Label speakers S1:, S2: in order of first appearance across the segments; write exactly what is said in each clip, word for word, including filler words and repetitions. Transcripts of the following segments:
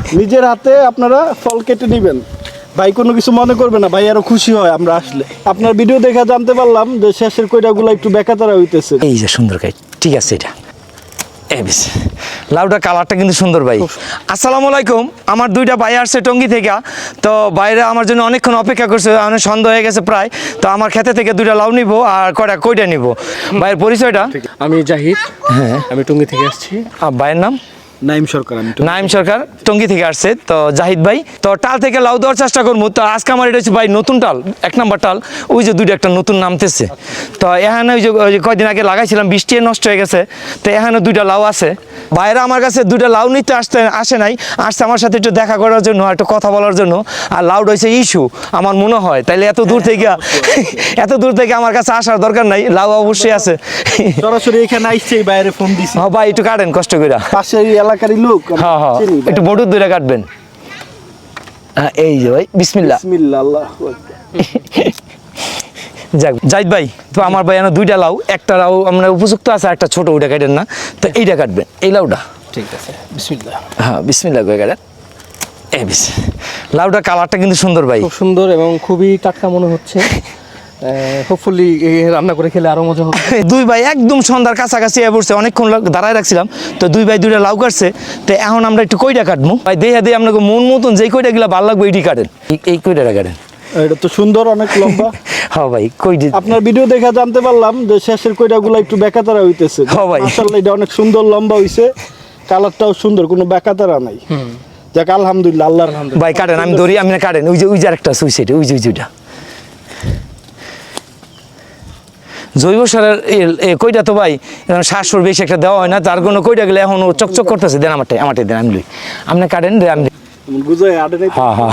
S1: নিজের হাতে আপনারা ফল কেটে নেবেন। ভাই কোনো কিছু মনে করবে না, ভাই আরো খুশি হয় আমরা আসলে। আপনার ভিডিও দেখে জানতে পারলাম যে শেষের কইটাগুলো একটু বেকাতারা হইতেছে।
S2: এই যে সুন্দর কাই, ঠিক আছে এটা এই বেশ লাউটা কালারটা কিন্তু সুন্দর ভাই। আসসালামু আলাইকুম, আমার দুইটা ভাই আসছে টঙ্গী থেকে। তো বাইরে আমার জন্য অনেকক্ষণ অপেক্ষা করছে, অনেক সন্ধ্যা হয়ে গেছে প্রায়। তো আমার খেতে থেকে দুইটা লাউ নিব আর কয়টা কইটা নিব। ভাইয়ের পরিচয়টা?
S3: আমি জাহিদ,
S2: হ্যাঁ
S3: আমি টঙ্গী থেকে আসছি।
S2: আর ভাইয়ের নাম?
S1: নাইম সরকার। আমি
S2: নাইম সরকার টঙ্গী থেকে আসছে। তো জাহিদ ভাই, তো টাল থেকে লাউ দেওয়ার চেষ্টা করবো। তো আজকে আমার এটা হচ্ছে ভাই নতুন টাল, এক নাম্বার টাল। ওই যে দুইটা একটা নতুন নামতেছে। তো এখানে ওই যে ওই যে কয়দিন আগে লাগাইছিলাম, বৃষ্টি নষ্ট হয়ে গেছে। তো এখানে দুইটা লাউ আছে। ভাইরা আমার কাছে দুইটা লাউ নিতে আসতে আসে নাই, আসছে আমার সাথে একটু দেখা করার জন্য, একটু কথা বলার জন্য। আর লাউড হয়েছে ইস্যু আমার মনে হয়, তাইলে এত দূর থেকে এত দূর থেকে আমার কাছে আসার দরকার নাই। লাউ অবশ্যই আছে।
S1: সরাসরি এখানে আইছে, বাইরে ফোন দিছি।
S2: হ্যাঁ ভাই একটু কাটেন কষ্ট করে।
S1: পাশের এলাকারই লোক।
S2: হ্যাঁ হ্যাঁ একটু বড় দূরে কাটবেন। হ্যাঁ এই যে ভাই বিসমিল্লাহ।
S1: বিসমিল্লাহ, আল্লাহু আকবার।
S2: যাক জাহিদ ভাই, তো আমার ভাই এনে দুইটা লাউ, একটা লাউ আমরা উপযুক্ত আছে, একটা ছোট ওইটা কাটেন না। তো এইটা কাটবেন, এই লাউটা।
S3: ঠিক আছে, বিসমিল্লাহ।
S2: হ্যাঁ বিসমিল্লাহ করে কাটেন। এই বিস লাউটা কালারটা কিন্তু সুন্দর ভাই,
S3: খুব সুন্দর এবং খুবই টাটকা মনে হচ্ছে। হোপফুলি রান্না করে খেলে আরো মজা হবে।
S2: দুই ভাই একদম সন্ধ্যার কাছাকাছি এ পড়ছে, অনেকক্ষণ দাঁড়ায় রাখছিলাম। তো দুই ভাই দুইটা লাউ কাটছে। তো এখন আমরা একটু কইটা কাটবো ভাই, দেখে দিয়ে আপনাকে মন মতন যেই কইটা গুলা ভালো লাগবে এইটি কাটেন। এই কইটাটা কাটেন।
S1: এটা তো সুন্দর, অনেক লম্বা।
S2: হ্যাঁ ভাই কইটি
S1: আপনার ভিডিও দেখে জানতে পারলাম যে শেষের কইটাগুলো একটু বেকাতারা হইতেছে।
S2: হ্যাঁ ভাই।
S1: মাশাআল্লাহ এটা অনেক সুন্দর লম্বা হইছে, কালারটাও সুন্দর, কোনো বেকাতারা নাই। যাক আলহামদুলিল্লাহ, আল্লাহর হামদে।
S2: ভাই কাটেন, আমি ধরি, আমি না কাটেন। ওই যে ওই যে আরেকটা সুইসাইড, ওই যে ওই যে ওইটা জৈব সারের কইটা তো ভাই সাতশোর বেশি একটা দেওয়া হয় না, তার কোনো কইটা গেলে এখন চকচক করতেছে। দেন আমারটাই, আমারটাই দেন, আমি লই। আপনি কাটেন, আমি
S1: বুঝাই আড়ে নাই।
S2: হ্যাঁ হ্যাঁ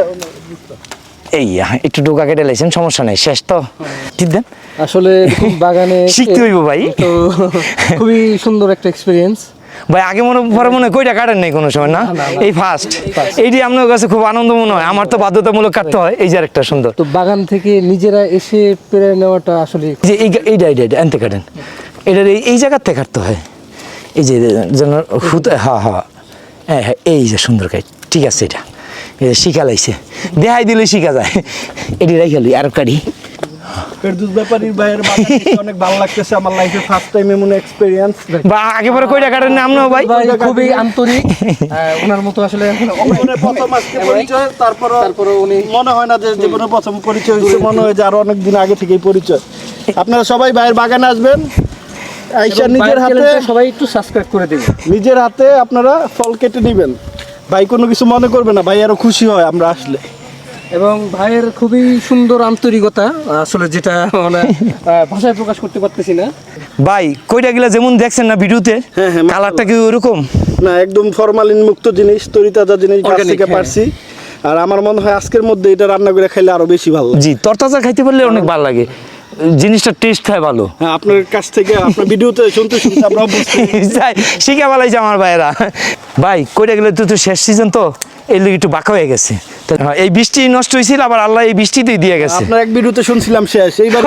S2: এই একটু ডোকা কেটে লাইছেন, সমস্যা নেই, শেষ তো ঠিক দেন।
S3: আসলে এরকম বাগানে
S2: শিখতে হইব ভাই।
S3: তো খুবই সুন্দর একটা এক্সপিরিয়েন্স
S2: ভাই। আগে মনে পরে মনে হয় কইটা কাটেন নাই কোনো সময় না, এই ফার্স্ট। এইটি আপনার কাছে খুব আনন্দ মনে হয়, আমার তো বাধ্যতামূলক কাটতে হয়। এই যে আরেকটা সুন্দর,
S3: তো বাগান থেকে নিজেরা এসে পেরে নেওয়াটা আসলে
S2: যে এইটা এইটা এইটা আনতে কাটেন, এটার এই এই জায়গার থেকে কাটতে হয়। এই যে যেন হুতে, হ্যাঁ হ্যাঁ হ্যাঁ হ্যাঁ এই যে সুন্দর কাজ, ঠিক আছে। এটা এই যে শিখা লাইছে, দেখাই দিলে শিখা যায়। এটি রাইখালি আর কাটি।
S1: ফেরদৌস ব্যাপারীর ভাইয়ের বাগান দেখতে অনেক ভালো লাগতেছে, আমার লাইফে ফার্স্ট টাইম এমন এক্সপেরিয়েন্স।
S2: বা আগে পরে কইটা কাটেন না আমরাও ভাই?
S3: ভাই খুবই আন্তরিক, ওনার মতো আসলে
S1: মনে প্রথম আজকে পরিচয়, তারপর
S3: তারপরে উনি
S1: মনে হয় না যে জীবনে প্রথম পরিচয় হয়েছে, মনে হয় যে আরো অনেক দিন আগে থেকেই পরিচয়। আপনারা সবাই ভাইয়ের বাগানে আসবেন, আইসা নিজের হাতে
S3: সবাই একটু সাবস্ক্রাইব করে দিবেন।
S1: নিজের হাতে আপনারা ফল কেটে নেবেন। ভাই কোনো কিছু মনে করবে না, ভাই আরো খুশি হয় আমরা আসলে।
S3: এবং ভাইয়ের খুবই সুন্দর আন্তরিকতা, আসলে যেটা মানে ভাষায় প্রকাশ করতে পারতেছি না।
S2: ভাই কইটা গিলা যেমন দেখছেন না ভিডিওতে,
S1: হ্যাঁ, হ্যাঁ,
S2: কালারটা কি ওরকম
S1: না, একদম ফরমালিন মুক্ত জিনিস, তরিতাজা জিনিস গাছ
S3: Organic,
S1: থেকে
S3: হ্যাঁ।
S1: পারছি। আর আমার মনে হয় আজকের মধ্যে এটা রান্না করে খাইলে আরো বেশি ভালো লাগে।
S2: জি, তরতাজা খাইতে পারলে অনেক ভালো লাগে, জিনিসটা টেস্ট হয় ভালো।
S1: হ্যাঁ, আপনার কাছ থেকে আপনার ভিডিওতে শুনতে শুনতে আমরা অভ্যস্ত।
S2: যাই শিখা বলাইছে আমার ভাইয়েরা। ভাই কইটা গেলে তো শেষ সিজন, তো এই লোক একটু বাঁকা হয়ে গেছে। তো এই বৃষ্টি নষ্ট হয়েছিল, আবার আল্লাহ এই বৃষ্টিতেই দিয়ে গেছে।
S1: আপনার এক ভিডিওতে শুনছিলাম শেষ, এইবার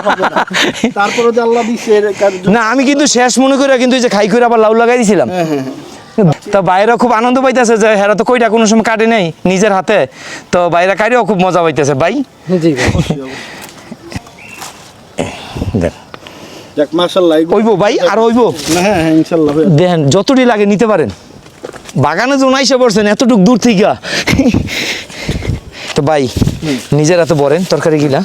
S1: তারপরে যে আল্লাহ দিছে এর কাজ-
S2: না আমি কিন্তু শেষ মনে করে কিন্তু এই যে খাই করে আবার লাউ লাগাই দিয়েছিলাম। তো বাইরে খুব আনন্দ পাইতেছে যে হেরা তো কইটা কোনো সময় কাটে নেই নিজের হাতে। তো বাইরে কাটেও খুব মজা পাইতেছে ভাই।
S3: জি ভাই,
S2: দেন
S1: যাক মাশাআল্লাহ।
S2: ওইবো ভাই, আর ওইবো
S1: না, হ্যাঁ হ্যাঁ ইনশাআল্লাহ হবে।
S2: দেখেন যতটি লাগে নিতে পারেন। বাগানে যখন আইসা পড়ছেন এতটুক দূর থেকে, তো ভাই নিজের হাতে বলেন তরকারি গিলা।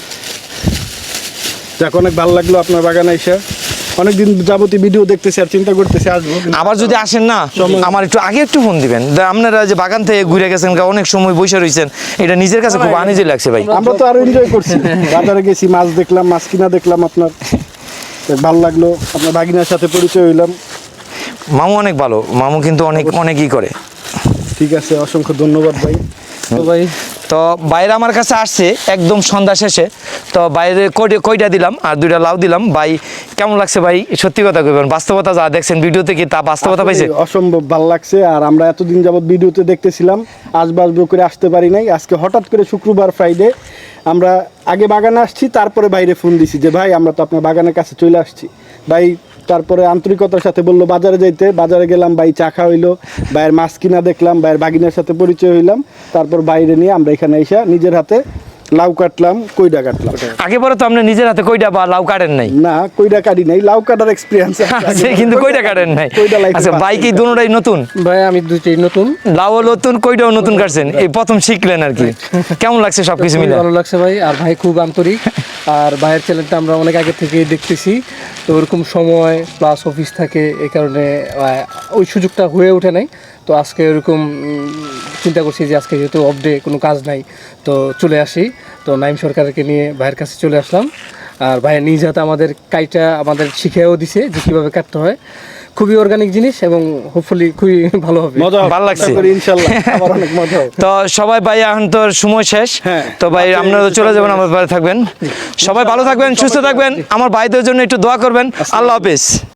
S1: যাক অনেক ভালো লাগলো আপনার বাগানে এসে। অনেকদিন যাবতীয় ভিডিও দেখতেছি আর চিন্তা করতেছি আসবো।
S2: আবার যদি আসেন না, আমার একটু আগে একটু ফোন দিবেন। আপনারা যে বাগান থেকে ঘুরে গেছেন, অনেক সময় বসে রয়েছেন, এটা নিজের কাছে খুব আনিজি লাগছে ভাই।
S1: আমরা তো আরো এনজয় করছি, বাজারে গেছি, মাছ দেখলাম, মাছ কিনা দেখলাম আপনার, যাক ভালো লাগলো। আপনার ভাগিনার সাথে পরিচয় হইলাম।
S2: মামু অনেক ভালো, মামু কিন্তু অনেক অনেকই করে।
S1: ঠিক আছে, অসংখ্য ধন্যবাদ ভাই।
S3: তো ভাই
S2: তো বাইরে আমার কাছে আসছে একদম সন্ধ্যা শেষে। তো বাইরে কয়টা কয়টা দিলাম আর দুইটা লাউ দিলাম। ভাই কেমন লাগছে ভাই? সত্যি কথা কইবেন, বাস্তবতা যা দেখছেন ভিডিওতে কি তা বাস্তবতা পাইছে?
S1: অসম্ভব ভালো লাগছে। আর আমরা এতদিন যাবত ভিডিওতে দেখতেছিলাম, আসবো আসবো করে আসতে পারি নাই। আজকে হঠাৎ করে শুক্রবার ফ্রাইডে আমরা আগে বাগানে আসছি, তারপরে বাইরে ফোন দিছি যে ভাই আমরা তো আপনার বাগানের কাছে চলে আসছি। ভাই তারপরে আন্তরিকতার সাথে বললো বাজারে যাইতে, বাজারে গেলাম, ভাই চা খাওয়া হইলো, ভাইয়ের মাছ কিনা দেখলাম, ভাইয়ের বাগিনার সাথে পরিচয় হইলাম, তারপর বাইরে নিয়ে আমরা এখানে এসে নিজের হাতে লাউ কাটলাম, কইডা কাটলাম।
S2: আগে পরে তো আপনি নিজের হাতে কইটা বা লাউ কাটেন নাই।
S1: না, কইডা কাটি নাই, লাউ কাটার এক্সপিরিয়েন্স
S2: আছে কিন্তু কইটা কাটেন নাই।
S1: কইডা লাইফে
S2: আচ্ছা, ভাই কি দুটোটাই নতুন?
S3: ভাই আমি দুইটাই নতুন,
S2: লাউও নতুন, কইটাও নতুন কাটছেন, এই প্রথম শিখলেন আর কি। কেমন লাগছে সবকিছু
S3: খুবই
S2: মিলে?
S3: ভালো লাগছে ভাই। আর ভাই খুব আন্তরিক, আর ভাইয়ের চ্যানেলটা আমরা অনেক আগে থেকে দেখতেছি, তো ওরকম সময় প্লাস অফিস থাকে, এই কারণে আহ, ওই সুযোগটা হয়ে ওঠে নাই। তো আজকে ওরকম উম, চিন্তা করছি যে আজকে যেহেতু অফ ডে, কোনো কাজ নাই, তো চলে আসি। তো নাইম সরকারকে নিয়ে ভাইয়ের কাছে চলে আসলাম, আর ভাইয়ের নিজ হাতে আমাদের কাইটা আমাদের শিখেও দিছে যে কীভাবে কাটতে হয়। খুবই অর্গানিক জিনিস এবং হোপফুলি খুবই ভালো হবে।
S1: মজা হবে,
S2: ভালো লাগছে।
S1: আশা করি ইনশাআল্লাহ আবার অনেক মজা হবে।
S2: তো সবাই ভাই এখন তো সময় শেষ,
S1: হ্যাঁ।
S2: তো ভাই আপনারা তো চলে যাবেন, আমার বাড়ি থাকবেন। সবাই ভালো থাকবেন, সুস্থ থাকবেন, আমার ভাইদের জন্য একটু দোয়া করবেন। আল্লাহ হাফেজ।